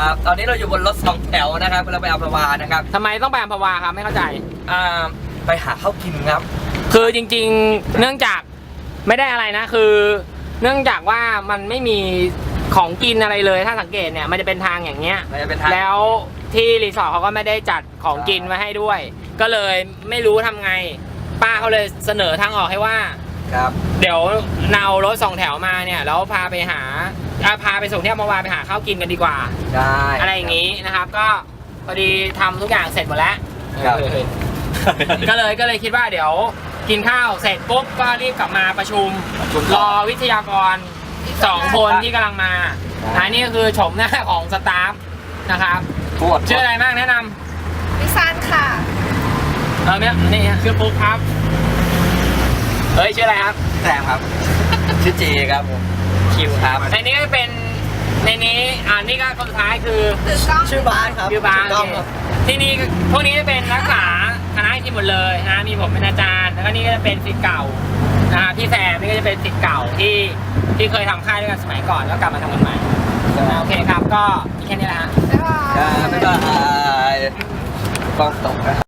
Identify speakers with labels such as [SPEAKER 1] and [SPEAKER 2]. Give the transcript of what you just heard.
[SPEAKER 1] ครับตอนนี้เราอยู่บนรถสองแถวนะครับเราไปอัมพวานะครับ
[SPEAKER 2] ทำไมต้องไปอัมพวาครับไม่เข้าใจ
[SPEAKER 1] ไปหาข้าวกินครับ
[SPEAKER 2] คือจริงๆเนื่องจากไม่ได้อะไรนะคือ เนื่องจากว่ามันไม่มีของกินอะไรเลยถ้าสังเกตเนี่ยมันจะเป็นทางอย่างเงี้ย
[SPEAKER 1] มันจะเป็นทาง
[SPEAKER 2] แล้วที่รีสอร์ทเขาก็ไม่ได้จัดของกินไว้ให้ด้วย ก็เลยไม่รู้ทำไง ป้าเขาเลยเสนอทางออกให้ว่า
[SPEAKER 1] ครับ
[SPEAKER 2] เดี๋ยวเอารถสองแถวมาเนี่ยแล้วพาไปส่งที่อัมพวาไปหาข้าวกินกันดีกว่า
[SPEAKER 1] ได้
[SPEAKER 2] อะไรอย่างนี้นะครับ ก็พอดีทำทุกอย่างเสร็จหมดแล้ว
[SPEAKER 1] ครับ
[SPEAKER 2] ก็เลยคิดว่าเดี๋ยวกินข้าวเสร็จปุ๊บก็รีบกลับมาประชุมรอวิทยากร2 คนที่กำลังมานี่ก็คือโฉมหน้าของสตาฟนะครับ
[SPEAKER 1] ปวด
[SPEAKER 2] ชื่ออะไรบ้างแนะน
[SPEAKER 3] พิซซ่านค่ะ
[SPEAKER 2] ำเนี่ยนี่ชื่อปุ๊กครับเฮ้ยชื่ออะไรครับ
[SPEAKER 1] แซมครับ ชื่อเจครับผม
[SPEAKER 2] คิวครับในนี้ก็เป็นในนี้นี่ก็คนสุดท้ายคือ
[SPEAKER 3] ถือกล้อง
[SPEAKER 1] ชื่อบาสครับ
[SPEAKER 2] ชื่อบาส
[SPEAKER 1] ถูกต้องครับ
[SPEAKER 2] ที่นี่พวกนี้จะเป็นนักศึกษาคณะที่หมดเลยนะมีผมเป็นอาจารย์แล้วก็นี่ก็จะเป็นศิษย์เก่าพี่แซมนี่ก็จะเป็นศิษย์เก่าที่เคยทำค่ายด้วยกันสมัยก่อนแล้วกลับมาทำกันใหม่โอเคครับก็แค่นี้แหละฮะ
[SPEAKER 3] บ๊ายบาย
[SPEAKER 1] บ๊ายบายกล้องตกนะ